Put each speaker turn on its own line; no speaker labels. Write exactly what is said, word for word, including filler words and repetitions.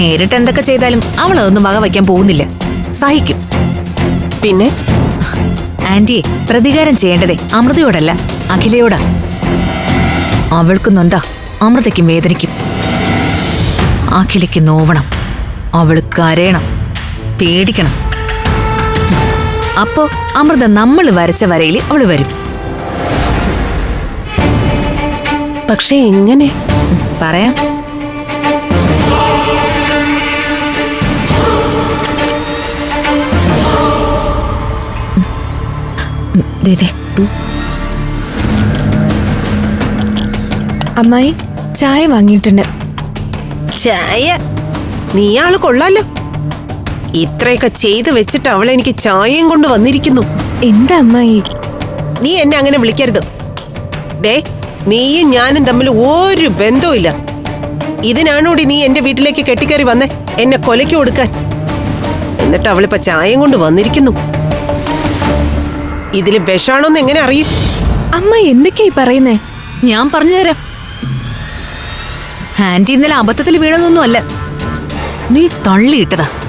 നേരിട്ട് എന്തൊക്കെ ചെയ്താലും അവൾ അതൊന്നും വക വയ്ക്കാൻ പോകുന്നില്ല, സഹിക്കും.
പിന്നെ
ആന്റിയെ പ്രതികാരം ചെയ്യേണ്ടതേ അമൃതയോടല്ല, അഖിലയോടാ. അവൾക്ക് നൊന്താ അമൃതയ്ക്കും വേദനിക്കും. അഖിലയ്ക്ക് നോവണം, അവള് കരയണം, പേടിക്കണം. അപ്പോ അമൃത നമ്മൾ വരച്ച വരയിൽ അവള് വരും.
പക്ഷെ എങ്ങനെ
പറയാം.
അമ്മായി ചായ വാങ്ങിയിട്ടുണ്ട്.
ചായ? നീയാള് കൊള്ളാലോ, ഇത്രയൊക്കെ ചെയ്ത് വെച്ചിട്ട് അവൾ എനിക്ക് ചായയും കൊണ്ട് വന്നിരിക്കുന്നു.
എന്താ അമ്മായി?
നീ എന്നെ അങ്ങനെ വിളിക്കരുത്. ദേ, നീയും ഞാനും തമ്മിൽ ഒരു ബന്ധവും ഇല്ല. ഇതിനാണോടി നീ എന്റെ വീട്ടിലേക്ക് കെട്ടിക്കയറി വന്നേ, എന്നെ കൊലയ്ക്ക് കൊടുക്കാൻ? എന്നിട്ട് അവളിപ്പോ ചായയും കൊണ്ട് വന്നിരിക്കുന്നു. ഇതില് വിഷാണോന്ന് എങ്ങനെ അറിയും?
അമ്മായി എന്തൊക്കെയായി പറയുന്നേ?
ഞാൻ പറഞ്ഞുതരാം. ആന്റി ഇന്നലെ അബദ്ധത്തിൽ വീണതൊന്നും അല്ല, നീ തള്ളിയിട്ടതാ.